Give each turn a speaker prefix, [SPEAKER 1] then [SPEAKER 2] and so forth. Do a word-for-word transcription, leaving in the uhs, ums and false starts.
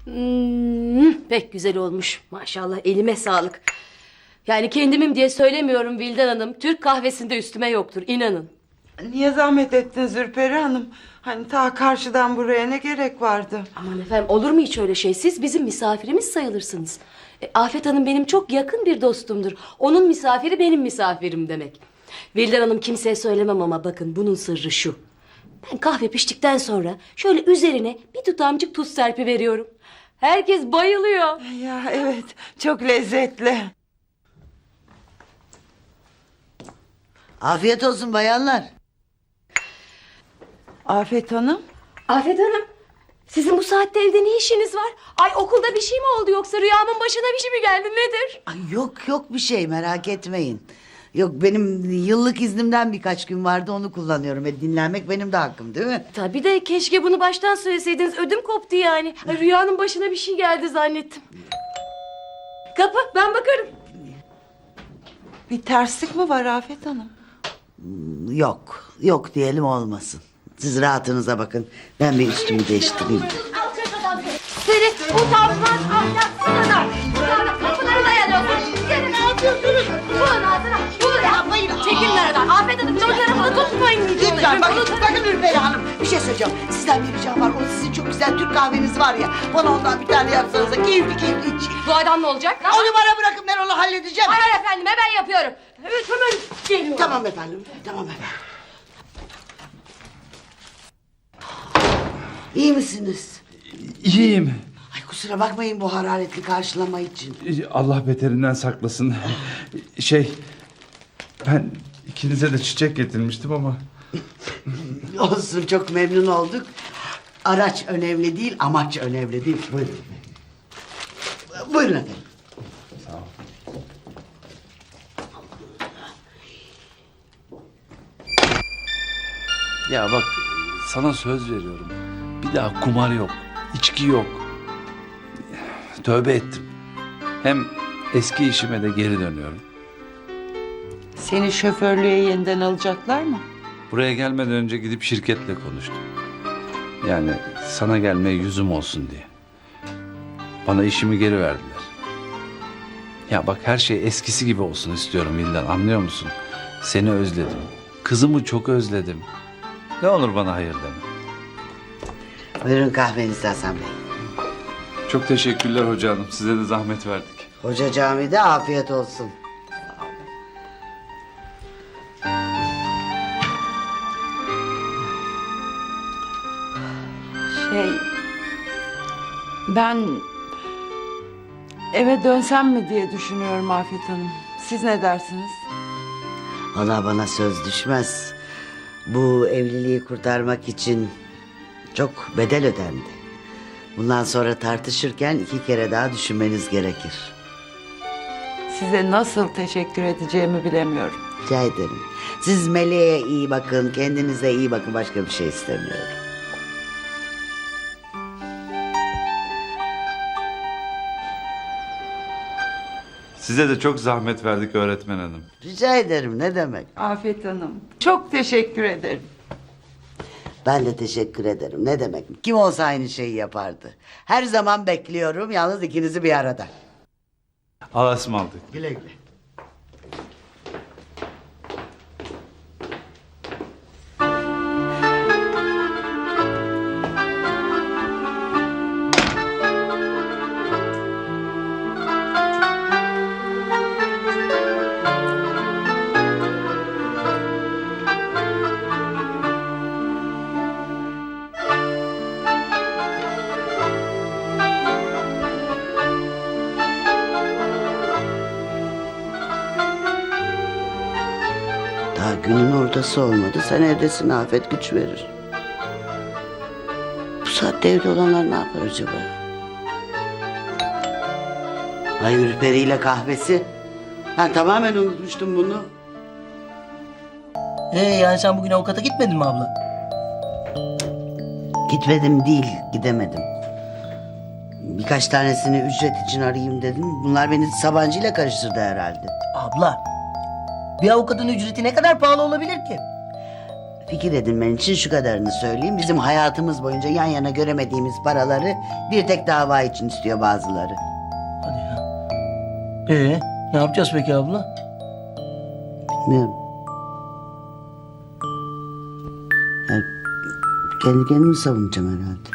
[SPEAKER 1] Hmm, pek güzel olmuş. Maşallah, elime sağlık. Yani kendimim diye söylemiyorum Vildan Hanım. Türk kahvesinde üstüme yoktur, inanın.
[SPEAKER 2] Niye zahmet ettin Zülperi Hanım? Hani ta karşıdan buraya ne gerek vardı?
[SPEAKER 1] Aman efendim, olur mu hiç öyle şey? Siz bizim misafirimiz sayılırsınız. E, Afet Hanım benim çok yakın bir dostumdur. Onun misafiri benim misafirim demek. Vildan Hanım, kimseye söylemem ama bakın, bunun sırrı şu. Ben kahve piştikten sonra şöyle üzerine bir tutamcık tuz serpi veriyorum. Herkes bayılıyor.
[SPEAKER 2] Ya evet, çok lezzetli.
[SPEAKER 3] Afiyet olsun bayanlar.
[SPEAKER 2] Afet Hanım.
[SPEAKER 1] Afet Hanım, sizin bu saatte evde ne işiniz var? Ay, okulda bir şey mi oldu, yoksa rüyamın başına bir şey mi geldi, nedir?
[SPEAKER 3] Ay yok yok bir şey, merak etmeyin. Yok, benim yıllık iznimden birkaç gün vardı, onu kullanıyorum. E, dinlenmek benim de hakkım, değil mi?
[SPEAKER 1] Tabii de keşke bunu baştan söyleseydiniz, ödüm koptu yani. Ay, rüyanın başına bir şey geldi zannettim. Kapı, ben bakarım.
[SPEAKER 2] Bir terslik mi var Afet Hanım?
[SPEAKER 3] Yok yok diyelim, olmasın. Siz rahatınıza bakın. Ben bir üstümü değiştireyim.
[SPEAKER 1] Seni utanmaz, ahlaksız adam. Utanmaz, kapıları dayanıyorsun. Seni ne yapıyorsunuz? Bulun ağzına, bulun yapmayın. Çekilin aradan. Afet Hanım, çocukları bunu tutmayın.
[SPEAKER 3] Lütfen bakın, bakın Ülperi Hanım. Bir şey söyleyeceğim. Sizden bir ricam var. O sizin çok güzel Türk kahveniz var ya. Bana ondan bir tane yapsanız da keyifli keyifli içeyim.
[SPEAKER 1] Bu adam ne olacak?
[SPEAKER 3] Onu bana bırakın, ben onu halledeceğim.
[SPEAKER 1] Hayır efendim, hemen yapıyorum. Evet, hemen geliyorum.
[SPEAKER 3] Tamam efendim, tamam efendim. İyi misiniz?
[SPEAKER 4] İyiyim.
[SPEAKER 3] Ay kusura bakmayın bu hararetli karşılama için.
[SPEAKER 4] Allah beterinden saklasın. Şey, ben ikinize de çiçek getirmiştim ama...
[SPEAKER 3] Olsun, çok memnun olduk. Araç önemli değil, amaç önemli değil. Buyurun. Buyurun efendim.
[SPEAKER 4] Sağ ol. Ya bak, sana söz veriyorum. Bir daha kumar yok, içki yok. Tövbe ettim. Hem eski işime de geri dönüyorum.
[SPEAKER 2] Seni şoförlüğe yeniden alacaklar mı?
[SPEAKER 4] Buraya gelmeden önce gidip şirketle konuştum. Yani sana gelmeye yüzüm olsun diye. Bana işimi geri verdiler. Ya bak, her şey eskisi gibi olsun istiyorum Vildan, anlıyor musun? Seni özledim. Kızımı çok özledim. Ne olur bana hayır deme.
[SPEAKER 3] Buyurun kahveniz Hasan Bey.
[SPEAKER 4] Çok teşekkürler hoca hanım. Size de zahmet verdik.
[SPEAKER 3] Hoca camide, afiyet olsun.
[SPEAKER 2] Şey... Ben... eve dönsem mi diye düşünüyorum Afet Hanım. Siz ne dersiniz?
[SPEAKER 3] Ona bana söz düşmez. Bu evliliği kurtarmak için çok bedel ödendi. Bundan sonra tartışırken iki kere daha düşünmeniz gerekir.
[SPEAKER 2] Size nasıl teşekkür edeceğimi bilemiyorum.
[SPEAKER 3] Rica ederim. Siz Meleğe iyi bakın, kendinize iyi bakın. Başka bir şey istemiyorum.
[SPEAKER 4] Size de çok zahmet verdik öğretmen hanım.
[SPEAKER 3] Rica ederim, ne demek?
[SPEAKER 2] Afet Hanım, çok teşekkür ederim.
[SPEAKER 3] Ben de teşekkür ederim. Ne demek? Kim olsa aynı şeyi yapardı. Her zaman bekliyorum, yalnız ikinizi bir arada.
[SPEAKER 4] Allah'a ısmarladık.
[SPEAKER 3] Güle güle. Daha günün ortası olmadı. Sen evdesin, afet güç verir. Bu saatte evde olanlar ne yapar acaba? Ay Ürperi ile kahvesi. Ben tamamen unutmuştum bunu.
[SPEAKER 5] Ee, yani sen bugün avukata gitmedin mi abla?
[SPEAKER 3] Gitmedim değil, gidemedim. Birkaç tanesini ücret için arayayım dedim. Bunlar beni Sabancı ile karıştırdı herhalde.
[SPEAKER 5] Abla, bir avukatın ücreti ne kadar pahalı olabilir ki?
[SPEAKER 3] fikir edinmen için şu kadarını söyleyeyim. Bizim hayatımız boyunca yan yana göremediğimiz paraları bir tek dava için istiyor bazıları.
[SPEAKER 5] Hadi ya. Ee, ne yapacağız peki abla?
[SPEAKER 3] Bilmiyorum. Yani kendi kendimi savunacağım herhalde.